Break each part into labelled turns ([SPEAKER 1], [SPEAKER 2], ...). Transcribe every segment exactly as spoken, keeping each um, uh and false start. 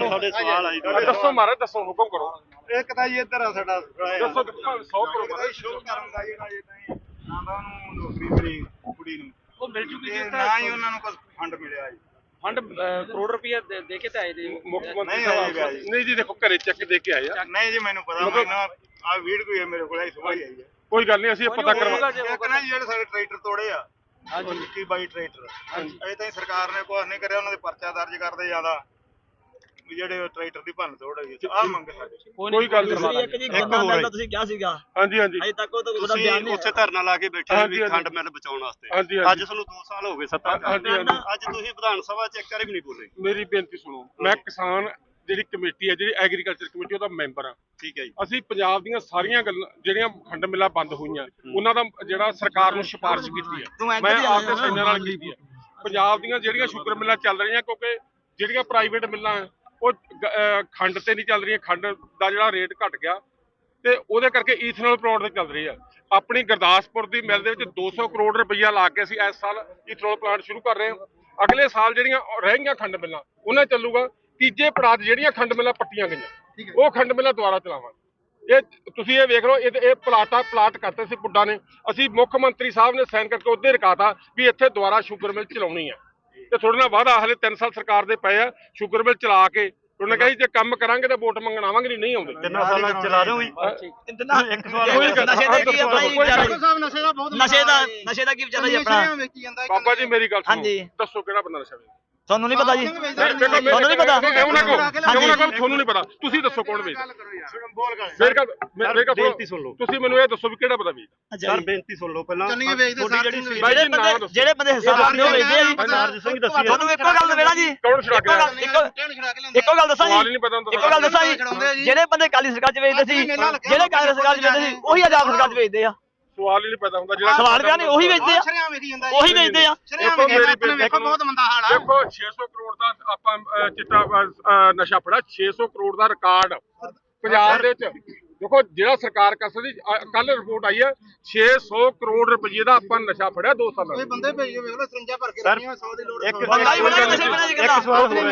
[SPEAKER 1] ਸਾਡੇ ਸਵਾਲ ਆਈ
[SPEAKER 2] ਦੱਸੋ ਮਹਾਰਾਜ ਦੱਸੋ ਹੁਕਮ ਕਰੋ।
[SPEAKER 1] ਇੱਕ ਤਾਂ ਜੀ ਇੱਧਰ ਆ ਸਾਡਾ
[SPEAKER 2] ਦੱਸੋ ਸੌ ਕਰੋ
[SPEAKER 1] ਸ਼ੋਅ ਕਰਨ ਦਾ ਜਿਹੜਾ ਇਹ ਤਾਂ ਨਾ ਤਾਂ ਉਹਨੂੰ ਨੌਕਰੀ ਮਿਲੀ ਕੁੜੀ ਨੂੰ
[SPEAKER 3] ਉਹ ਮਿਲ ਚੁੱਕੀ
[SPEAKER 1] ਤੇ
[SPEAKER 3] ਸੀ
[SPEAKER 1] ਨਾ ਹੀ ਉਹਨਾਂ ਨੂੰ ਕੁਝ ਫੰਡ ਮਿਲਿਆ ਜੀ।
[SPEAKER 3] ਫੰਡ ਕਰੋੜ ਰੁਪਏ ਦੇ ਕੇ ਤੇ ਆਏ ਦੇ
[SPEAKER 2] ਮੁੱਖ ਮੰਤਰੀ
[SPEAKER 1] ਨਹੀਂ
[SPEAKER 2] ਸਾਹਿਬ
[SPEAKER 1] ਆਏਗਾ ਜੀ।
[SPEAKER 2] ਨਹੀਂ ਜੀ ਦੇਖੋ ਘਰੇ ਚੈੱਕ ਦੇ ਕੇ ਆਏ ਆ।
[SPEAKER 1] ਨਹੀਂ ਜੀ ਮੈਨੂੰ ਪਤਾ ਮੈਨੂੰ ਆ ਵੀਡੀਓ ਹੈ ਮੇਰੇ ਕੋਲ ਸੁਭਾ ਹੀ ਆਈ ਹੈ।
[SPEAKER 2] ਕੋਈ ਗੱਲ ਨਹੀਂ ਅਸੀਂ ਪਤਾ ਕਰਵਾ
[SPEAKER 1] ਇੱਕ ਨਾ ਜਿਹੜੇ ਸਾਡੇ ਟਰੈਕਟਰ ਤੋੜੇ ਆ ਹਾਂਜੀ ਇੱਕੀ ਬਾਈ ਟਰੈਕਟਰ ਅਜੇ ਤਾਈਂ ਸਰਕਾਰ ਨੇ ਕੁਝ ਨਹੀਂ ਕਰਿਆ। ਉਹਨਾਂ ਦੇ ਪਰਚਾ ਦਰਜ ਕਰਦੇ ਜ਼ਿਆਦਾ ਜਿਹੜੇ ਟਰੈਕਟਰ ਦੀ ਭੰਨ ਤੋੜ ਹੋਈ ਆ ਮੰਗ ਸਾਡੇ
[SPEAKER 2] ਕੋਈ ਗੱਲ ਨਹੀਂ।
[SPEAKER 4] ਇੱਕ ਜੀ ਗੰਨਾ ਮਿਲ ਦਾ ਤੁਸੀਂ ਕਿਹਾ ਸੀਗਾ
[SPEAKER 2] ਹਾਂਜੀ ਹਾਂਜੀ
[SPEAKER 4] ਅਜੇ ਤੱਕ ਉਹਦਾ ਬਿਆਨ ਨਹੀਂ
[SPEAKER 1] ਉੱਥੇ ਧਰਨਾ ਲਾ ਕੇ ਬੈਠੇ ਵੀ ਖੰਡ ਮਿਲ ਬਚਾਉਣ ਵਾਸਤੇ। ਅੱਜ ਤੁਹਾਨੂੰ ਦੋ ਸਾਲ ਹੋ ਗਏ ਸੱਤਾ
[SPEAKER 2] ਹਾਂਜੀ ਹਾਂਜੀ
[SPEAKER 1] ਅੱਜ ਤੁਸੀਂ ਵਿਧਾਨ ਸਭਾ ਚ ਇੱਕ ਵਾਰੀ ਵੀ ਨਹੀਂ ਬੋਲੇ।
[SPEAKER 2] ਮੇਰੀ ਬੇਨਤੀ ਸੁਣੋ। ਮੈਂ ਕਿਸਾਨ ਜਿਹੜੀ ਕਮੇਟੀ ਹੈ ਜਿਹੜੀ ਐਗਰੀਕਲਚਰ ਕਮੇਟੀ ਉਹਦਾ ਮੈਂਬਰ ਆ।
[SPEAKER 1] ਠੀਕ ਹੈ ਜੀ।
[SPEAKER 2] ਅਸੀਂ ਪੰਜਾਬ ਦੀਆਂ ਸਾਰੀਆਂ ਗੱਲਾਂ ਜਿਹੜੀਆਂ ਖੰਡ ਮਿੱਲਾਂ ਬੰਦ ਹੋਈਆਂ ਉਹਨਾਂ ਦਾ ਜਿਹੜਾ ਸਰਕਾਰ ਨੂੰ ਸਿਫਾਰਿਸ਼ ਕੀਤੀ ਹੈ ਮੈਂ ਆਪਦੇ ਸੈਨਾਂ ਨਾਲ ਕੀਤੀ ਹੈ। ਪੰਜਾਬ ਦੀਆਂ ਜਿਹੜੀਆਂ ਸ਼ੂਗਰ ਮਿੱਲਾਂ ਚੱਲ ਰਹੀਆਂ ਕਿਉਂਕਿ ਜਿਹੜੀਆਂ ਪ੍ਰਾਈਵੇਟ ਮਿੱਲਾਂ ਉਹ ਖੰਡ ਤੇ ਨਹੀਂ ਚੱਲ ਰਹੀਆਂ। ਖੰਡ ਦਾ ਜਿਹੜਾ ਰੇਟ ਘਟ ਗਿਆ ਤੇ ਉਹਦੇ ਕਰਕੇ ਈਥਨੋਲ ਪਲਾਂਟ ਤੇ ਚੱਲ ਰਹੀ ਆ। ਆਪਣੀ ਗੁਰਦਾਸਪੁਰ ਦੀ ਮਿਲ ਦੇ ਵਿੱਚ ਦੋ ਸੌ ਕਰੋੜ ਰੁਪਈਆ ਲਾ ਕੇ ਅਸੀਂ ਇਸ ਸਾਲ ਈਥਨੋਲ ਪਲਾਂਟ ਸ਼ੁਰੂ ਕਰ ਰਹੇ ਹਾਂ। ਅਗਲੇ ਸਾਲ ਜਿਹੜੀਆਂ ਰਹਿ ਗਈਆਂ ਖੰਡ ਮਿੱਲਾਂ ਉਹਨਾਂ ਚੱਲੂਗਾ। ਤੀਜੇ ਪੜਾਅ ਜਿਹੜੀਆਂ ਖੰਡ ਮਿੱਲਾਂ ਪੱਟੀਆਂ ਗਈਆਂ ਉਹ ਖੰਡ ਮਿੱਲਾਂ ਦੁਬਾਰਾ ਚਲਾਵਾਂਗੇ। ਇਹ ਤੁਸੀਂ ਇਹ ਵੇਖ ਲਓ ਇਹ ਇਹ ਪਲਾਟਾ ਪਲਾਟ ਕਰਤੇ ਸੀ ਪੁੱਡਾ ਨੇ। ਅਸੀਂ ਮੁੱਖ ਮੰਤਰੀ ਸਾਹਿਬ ਨੇ ਸਾਈਨ ਕਰਕੇ ਉਹਦੇ ਰਕਾਤਾ ਵੀ ਇੱਥੇ ਦੁਬਾਰਾ ਸ਼ੂਗਰ ਮਿਲ ਚਲਾਉਣੀ ਹੈ ਤੇ ਥੋੜੇ ਨਾਲ ਵਾਅਦਾ ਹਲੇ ਤਿੰਨ ਸਾਲ ਸਰਕਾਰ ਦੇ ਪਏ ਆ ਸ਼ੂਗਰ ਮਿਲ ਚਲਾ ਕੇ ਉਹਨੇ ਕਹੀ ਜੇ ਕੰਮ ਕਰਾਂਗੇ ਤਾਂ ਵੋਟ ਮੰਗਣ ਆਵਾਂਗੇ ਨਹੀਂ ਆਉਂਦੇ।
[SPEAKER 1] ਤਿੰਨਾਂ ਸਾਲਾਂ ਚਲਾ ਦਿਓ ਜੀ।
[SPEAKER 4] ਇੱਕ ਸਵਾਲ ਨਸ਼ੇ ਦਾ ਕੀ ਆਪਣਾ ਨਸ਼ੇ ਦਾ ਬਹੁਤ ਨਸ਼ੇ ਦਾ ਨਸ਼ੇ ਦਾ ਕੀ ਵਿਚਾਰਾ ਜੀ ਆਪਣਾ
[SPEAKER 2] ਬਾਬਾ ਜੀ ਮੇਰੀ ਗੱਲ ਸੁਣੋ ਦੱਸੋ ਕਿਹੜਾ ਬੰਦਾ ਨਸ਼ਾ ਵੇਚਦਾ?
[SPEAKER 4] ਤੁਹਾਨੂੰ ਨਹੀਂ ਪਤਾ ਜੀ
[SPEAKER 2] ਤੁਹਾਨੂੰ ਨਹੀਂ ਪਤਾ ਕਿਉਂ ਨਾ ਕਹੋ ਕਿਉਂ ਨਾ ਕਹੋ ਤੁਹਾਨੂੰ ਨਹੀਂ ਪਤਾ ਤੁਸੀਂ ਦੱਸੋ ਕੌਣ ਵੇਚਦਾ? ਮੇਰੇ ਕੋਲ ਮੇਰੇ ਕੋਲ ਬੇਨਤੀ ਸੁਣ ਲਓ। ਤੁਸੀਂ ਮੈਨੂੰ ਇਹ ਦੱਸੋ ਵੀ ਕਿਹੜਾ ਬੰਦਾ ਵੇਚਦਾ?
[SPEAKER 1] ਸਰ ਬੇਨਤੀ ਸੁਣ ਲਓ ਪਹਿਲਾਂ
[SPEAKER 4] ਜਿਹੜੇ ਬੰਦੇ ਜਿਹੜੇ ਬੰਦੇ ਹਿਸਾਬ ਰੱਖਦੇ ਹੋ ਵੇਚਦੇ ਆ ਜੀ।
[SPEAKER 1] ਸਰਦਾਰ ਸਿੰਘ ਦੱਸੀ
[SPEAKER 4] ਤੁਹਾਨੂੰ ਇੱਕੋ ਗੱਲ ਦਵੇਣਾ ਜੀ
[SPEAKER 2] ਕੌਣ ਛੜਾਕ ਰਿਹਾ?
[SPEAKER 4] ਇੱਕੋ ਗੱਲ ਦੱਸਾਂ
[SPEAKER 2] ਸਵਾਲ ਹੀ
[SPEAKER 4] ਜੀ
[SPEAKER 2] ਨਹੀਂ ਪਤਾ ਹੁੰਦਾ।
[SPEAKER 4] ਇੱਕੋ ਗੱਲ ਦੱਸਾਂ ਜੀ ਜਿਹੜੇ ਬੰਦੇ ਕਾਲੀ ਸਰਕਾਰ ਚ ਵੇਚਦੇ ਸੀ ਜਿਹੜੇ ਕਾਂਗਰਸ ਸਰਕਾਰ ਚ ਵੇਚਦੇ ਸੀ ਉਹੀ ਆਜ਼ਾਦ ਸਰਕਾਰ ਚ ਵੇਚਦੇ ਆ।
[SPEAKER 2] ਸਵਾਲ ਹੀ ਨਹੀਂ ਪਤਾ ਹੁੰਦਾ ਜਿਹੜਾ
[SPEAKER 4] ਸਵਾਲ ਪਿਆ ਨਹੀਂ ਉਹੀ ਵੇਚਦੇ ਆ ਉਹੀ ਵੇਚਦੇ ਆ।
[SPEAKER 2] ਦੇਖੋ ਮੇਰੀ ਬੇਨਤੀ ਬਹੁਤ ਮੰਦਾ ਹਾਲ ਆ। ਦੇਖੋ ਛੇ ਸੌ ਕਰੋੜ ਦਾ ਆਪਾਂ ਚਿੱਟਾ ਨਸ਼ਾ ਫੜਿਆ ਛੇ ਸੌ ਕਰੋੜ ਦਾ ਰਿਕਾਰਡ ਪੰਜਾਬ ਦੇ ਵਿੱਚ। ਦੇਖੋ ਜਿਹੜਾ ਸਰਕਾਰ ਕਰ ਸਕਦੀ ਕੱਲ ਰਿਪੋਰਟ ਆਈ ਹੈ ਛੇ ਸੌ ਕਰੋੜ ਰੁਪਏ ਦਾ ਆਪਾਂ ਨਸ਼ਾ ਫੜਿਆ ਦੋ ਸਾਲਾਂ ਵਿੱਚ।
[SPEAKER 1] ਬੰਦੇ ਭੇਜੋ ਵੇਖ ਲਓ ਸਰੰਜਾਂ ਭਰ ਕੇ ਰੱਖੀਆਂ ਸੌ ਦੀ ਲੋੜ।
[SPEAKER 4] ਬੰਦਾ ਵੀ ਫੜਿਆ ਨਸ਼ੇ ਬਣਾ ਜੀ ਗੱਲਾਂ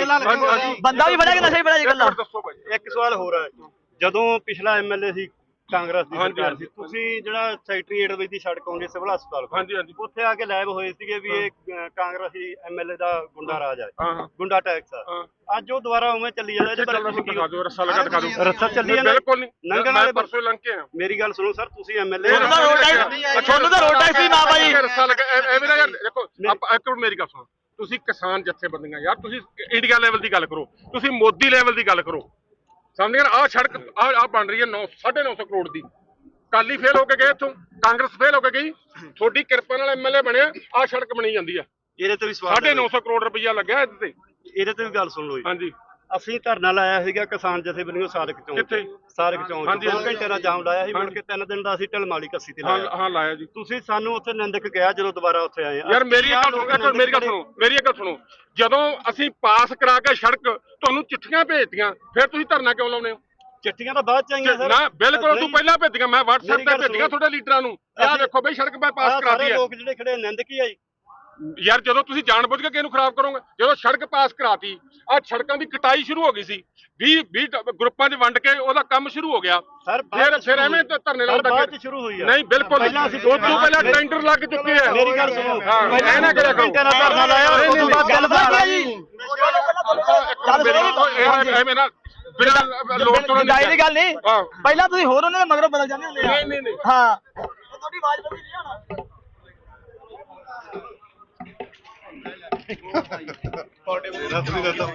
[SPEAKER 4] ਬੰਦਾ ਵੀ ਫੜਿਆ ਕਿ ਨਸ਼ੇ ਬਣਾ ਜੀ ਗੱਲਾਂ।
[SPEAKER 2] ਦੱਸੋ ਭਾਈ
[SPEAKER 1] ਇੱਕ ਸਵਾਲ ਹੋਰ ਹੈ। ਜਦੋਂ ਪਿਛਲਾ ਐਮਐਲਏ ਸੀ ਕਾਂਗਰਸ ਦੀ ਸਰਕਾਰ ਸੀ ਤੁਸੀਂ ਜਿਹੜਾ ਸੈਕਟਰੀਏਟ ਵਿੱਚ ਦੀ ਸੜਕ ਆਉਂਦੀ ਸਿਵਲ ਹਸਪਤਾਲ ਕੋਲ
[SPEAKER 2] ਹਾਂਜੀ ਹਾਂਜੀ
[SPEAKER 1] ਉੱਥੇ ਆ ਕੇ ਲਾਈਵ ਹੋਏ ਸੀਗੇ ਵੀ ਇਹ ਕਾਂਗਰਸੀ ਐਮਐਲਏ ਦਾ ਗੁੰਡਾ ਰਾਜ ਹੈ
[SPEAKER 2] ਹਾਂ
[SPEAKER 1] ਗੁੰਡਾ ਟੈਕਸ ਆ। ਅੱਜ ਉਹ ਦੁਬਾਰਾ ਉਵੇਂ ਚੱਲੀ ਜਾਂਦਾ ਇਹਦੇ ਬਾਰੇ ਤੁਸੀਂ
[SPEAKER 2] ਦਿਖਾ ਦਿਓ ਰੱਸਾ ਲਗਾ ਦਿਖਾ ਦਿਓ।
[SPEAKER 1] ਰੱਸਾ ਚੱਲੀ ਜਾਂਦਾ
[SPEAKER 2] ਬਿਲਕੁਲ ਨਹੀਂ
[SPEAKER 1] ਲੰਘਣ ਵਾਲੇ
[SPEAKER 2] ਪਰਸੋਂ ਲੰਘ ਕੇ ਆ।
[SPEAKER 1] ਮੇਰੀ ਗੱਲ ਸੁਣੋ ਸਰ ਤੁਸੀਂ ਐਮਐਲਏ
[SPEAKER 4] ਤੁਹਾਨੂੰ ਤਾਂ ਰੋਡ ਟੈਕਸ ਤੁਹਾਨੂੰ ਤਾਂ ਰੋਡ ਟੈਕਸ ਹੀ ਨਾ ਭਾਈ
[SPEAKER 2] ਰੱਸਾ ਲਗਾ ਐਵੇਂ ਨਾ ਯਾਰ ਦੇਖੋ ਆਪਾਂ ਇੱਕ ਮਿੰਟ ਮੇਰੀ ਗੱਲ ਸੁਣੋ। ਤੁਸੀਂ ਕਿਸਾਨ ਜਥੇਬੰਦੀਆਂ ਯਾਰ ਤੁਸੀਂ ਇੰਡੀਆ ਲੈਵਲ ਦੀ ਗੱਲ ਕਰੋ ਤੁਸੀਂ ਮੋਦੀ ਲੈਵਲ ਦੀ ਗੱਲ ਕਰੋ ਸਮਝ ਗਏ। ਆਹ ਸੜਕ ਆਹ ਆਹ ਬਣ ਰਹੀ ਹੈ ਨੌ ਸਾਢੇ ਨੌ ਸੌ ਕਰੋੜ ਦੀ। ਕਾਲੀ ਫੇਲ ਹੋ ਕੇ ਗਏ ਇੱਥੋਂ ਕਾਂਗਰਸ ਫੇਲ ਹੋ ਕੇ ਗਈ ਤੁਹਾਡੀ ਕਿਰਪਾ ਨਾਲ ਐਮਐਲਏ ਬਣਿਆ ਆਹ ਸੜਕ ਬਣੀ ਜਾਂਦੀ ਆ।
[SPEAKER 1] ਇਹਦੇ ਤੇ ਵੀ ਸਵਾਲ
[SPEAKER 2] ਸਾਢੇ ਨੌ ਸੌ ਕਰੋੜ ਰੁਪਈਆ ਲੱਗਿਆ ਇਹਦੇ ਤੇ।
[SPEAKER 1] ਇਹਦੇ ਤੇ ਵੀ ਗੱਲ ਸੁਣ ਲਓ ਜੀ।
[SPEAKER 2] ਹਾਂਜੀ
[SPEAKER 1] ਅਸੀਂ ਧਰਨਾ ਲਾਇਆ ਸੀਗਾ ਕਿਸਾਨ ਜਥੇਬੰਦੀਆਂ ਸਾਦਕ ਚੌਂਕ
[SPEAKER 2] ਕਿੱਥੇ?
[SPEAKER 1] ਸਾਦਕ ਚੌਂਕ
[SPEAKER 2] ਹਾਂਜੀ,
[SPEAKER 1] ਦੋ ਘੰਟੇ ਦਾ ਜਾਮ ਲਾਇਆ ਸੀ। ਮੁੜ ਕੇ ਤਿੰਨ ਦਿਨ ਦਾ ਅਸੀਂ ਢਲਮਾਲੀ ਕੱਸੀ ਤੇ
[SPEAKER 2] ਹਾਂ
[SPEAKER 1] ਲਾਇਆ।
[SPEAKER 2] ਹਾਂ ਲਾਇਆ ਜੀ।
[SPEAKER 1] ਤੁਸੀਂ ਸਾਨੂੰ ਉੱਥੇ ਨਿੰਦਕ ਗਿਆ ਜਦੋਂ ਦੁਬਾਰਾ ਉੱਥੇ ਆਏ।
[SPEAKER 2] ਯਾਰ ਮੇਰੀ ਇੱਕ ਗੱਲ ਸੁਣੋ ਮੇਰੀ ਗੱਲ ਸੁਣੋ ਮੇਰੀ ਇੱਕ ਗੱਲ ਸੁਣੋ ਜਦੋਂ ਅਸੀਂ ਪਾਸ ਕਰਾ ਕੇ ਸੜਕ ਤੁਹਾਨੂੰ ਚਿੱਠੀਆਂ ਭੇਜਤੀਆਂ ਫਿਰ ਤੁਸੀਂ ਧਰਨਾ ਕਿਉਂ ਲਾਉਂਦੇ ਹੋ?
[SPEAKER 1] ਚਿੱਠੀਆਂ ਤਾਂ ਬਾਅਦ ਚ ਆਈਆਂ ਸਰ।
[SPEAKER 2] ਨਾ ਬਿਲਕੁਲ ਤੂੰ ਪਹਿਲਾਂ ਭੇਜੀਆਂ ਮੈਂ WhatsApp ਤੇ ਭੇਜੀਆਂ ਤੁਹਾਡੇ ਲੀਡਰਾਂ ਨੂੰ ਆਹ ਦੇਖੋ ਬਈ ਸੜਕ ਮੈਂ ਪਾਸ ਕਰਾਤੀ ਹੈ।
[SPEAKER 1] ਲੋਕ ਜਿਹੜੇ ਖੜੇ ਨਿੰਦਕ ਹੀ ਆਈ
[SPEAKER 2] ਯਾਰ ਜਦੋਂ ਤੁਸੀਂ ਜਾਣਬੁੱਝ ਕੇ ਕਿਹਨੂੰ ਖਰਾਬ ਕਰੋਗੇ ਜਦੋਂ ਸੜਕ ਪਾਸ ਕਰਾਤੀ ਆ ਸੜਕਾਂ ਦੀ ਕਟਾਈ ਸ਼ੁਰੂ ਹੋ ਗਈ ਸੀ ਵੀਹ ਵੀਹ ਗਰੁੱਪਾਂ 'ਚ ਵੰਡ ਕੇ ਉਹਦਾ ਕੰਮ ਸ਼ੁਰੂ ਹੋ ਗਿਆ
[SPEAKER 1] ਸਰ
[SPEAKER 2] ਫਿਰ ਫਿਰ ਐਵੇਂ ਧਰਨੇ ਲਾਉਂਦਾ
[SPEAKER 1] ਬਾਅਦ ਚ ਸ਼ੁਰੂ ਹੋਈ ਆ।
[SPEAKER 2] ਨਹੀਂ ਬਿਲਕੁਲ
[SPEAKER 1] ਪਹਿਲਾਂ ਅਸੀਂ
[SPEAKER 2] ਉਸ ਤੋਂ ਪਹਿਲਾਂ ਟੈਂਡਰ ਲੱਗ ਚੁੱਕੇ ਆ।
[SPEAKER 1] ਮੇਰੀ ਗੱਲ ਸੁਣੋ
[SPEAKER 2] ਐ ਨਾ ਕਰਿਆ ਕਰੋ
[SPEAKER 1] ਘੰਟੇ ਦਾ ਧਰਨਾ ਲਾਇਆ ਉਸ ਤੋਂ ਬਾਅਦ ਗੱਲ ਬਣ ਗਈ ਜੀ।
[SPEAKER 2] ਐਵੇਂ ਨਾ ਬਿਨਾਂ ਲੋੜ ਤੋਂ
[SPEAKER 4] ਗਾਈ ਦੀ ਗੱਲ ਨਹੀਂ ਪਹਿਲਾਂ ਤੁਸੀਂ ਹੋਰ ਉਹਨਾਂ ਦੇ ਮਗਰੋਂ ਬਦਲ ਜਾਂਦੇ ਹੁੰਦੇ
[SPEAKER 2] ਨਹੀਂ ਨਹੀਂ ਨਹੀਂ
[SPEAKER 4] ਹਾਂ ਤੁਹਾਡੀ ਆਵਾਜ਼ ਬਦਲੀ ਨਹੀਂ ਹੋਣਾ।
[SPEAKER 1] ਤੁਹਾਡੇ